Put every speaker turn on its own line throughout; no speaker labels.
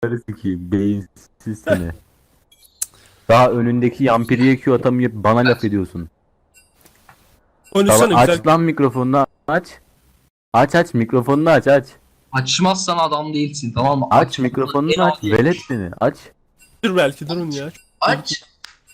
sikeyim. Beyinsiz seni. Daha önündeki yampiriye Q atamayıp bana laf ediyorsun.
Konuşsana güzel.
Aç lan mikrofonunu aç. Aç mikrofonunu aç.
Açmazsan adam değilsin, tamam mı?
Aç mikrofonunu aç. Velet seni aç.
Dur belki durun ya.
Aç.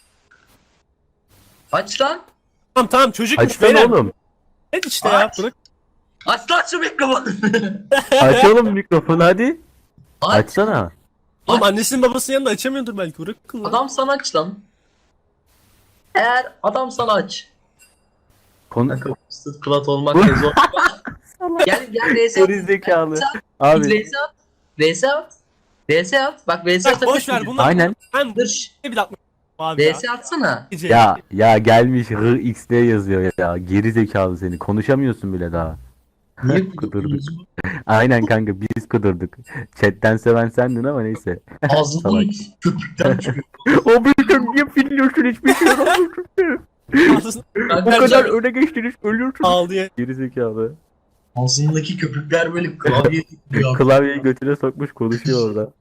Aç lan.
Tamam çocukmuş
Açsana
beyler.
oğlum.
Evet işte ya
Aç.
bırak.
Aç lan şu mikrofonu.
Aç oğlum mikrofonu hadi.
Aç.
Açsana.
Oğlum annesinin babasının yanında açamıyordur belki bırakın lan.
Adam sana aç lan. Eğer adam sana aç.
Konu...
Sıt klat olmak ne zor. Gel VS at.
Geri zekalı.
Git
Abi.
VS at. VS at. VS at. Bak VS
Bak boş
atabilirsin.
ver bunu.
Aynen.
Ben
Dur. şş,
ne bir dakika. Abi ya.
VS atsana.
Ya gelmiş RXD yazıyor ya. Geri zekalı seni. Konuşamıyorsun bile daha.
Niye
Kudurduk. Aynen kanka biz kudurduk. Chatten seven sendin ama neyse.
Ağzından köpükten çıkıyor.
O bir niye biliyorsun hiçbir şey yapamıyorsun. Bu kadar öne geçtiniz ölüyorsun.
Ağlıyor.
Geri zekalı.
Ağzındaki köpükler böyle klavye tutuyor.
Klavyeyi götüne sokmuş konuşuyor orada.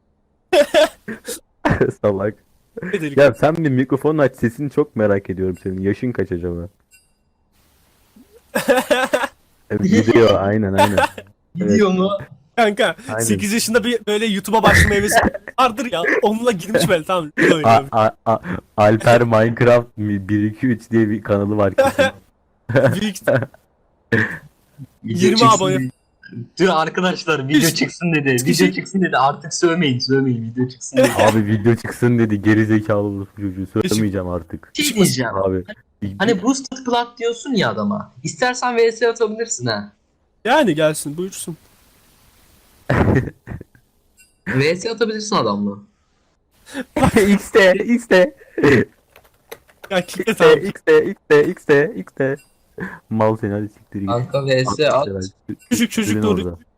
Salak.
Ne dedik?
Ya sen bir mikrofon aç, sesini çok merak ediyorum senin. Yaşın kaç acaba? Gidiyor aynen. Evet.
Gidiyor mu?
Kanka
Aynen.
8 yaşında bir böyle YouTube'a başlama hevesi vardır ya. Onunla girmiş böyle tamam.
Alper Minecraft 1-2-3 diye bir kanalı var kesin.
Büyük 20
Video çıksın
abone.
dedi. Dur arkadaşlar video çıksın dedi. Video çıksın dedi. Artık sövmeyin video çıksın dedi.
Abi video çıksın dedi, geri zekalı olursun çocuğu, söylemeyeceğim artık.
Bir şey diyeceğim.
Abi.
Hani boosted plat diyorsun ya adama. İstersen VS atabilirsin ha.
yani gelsin buyursun.
VS atabilirsin adamla.
X'te.
Ya kitle tamam.
X'te. Mal seni hadi siktir git.
Kanka VS at.
Küçük çocuk
Sürün
doğru.
orada.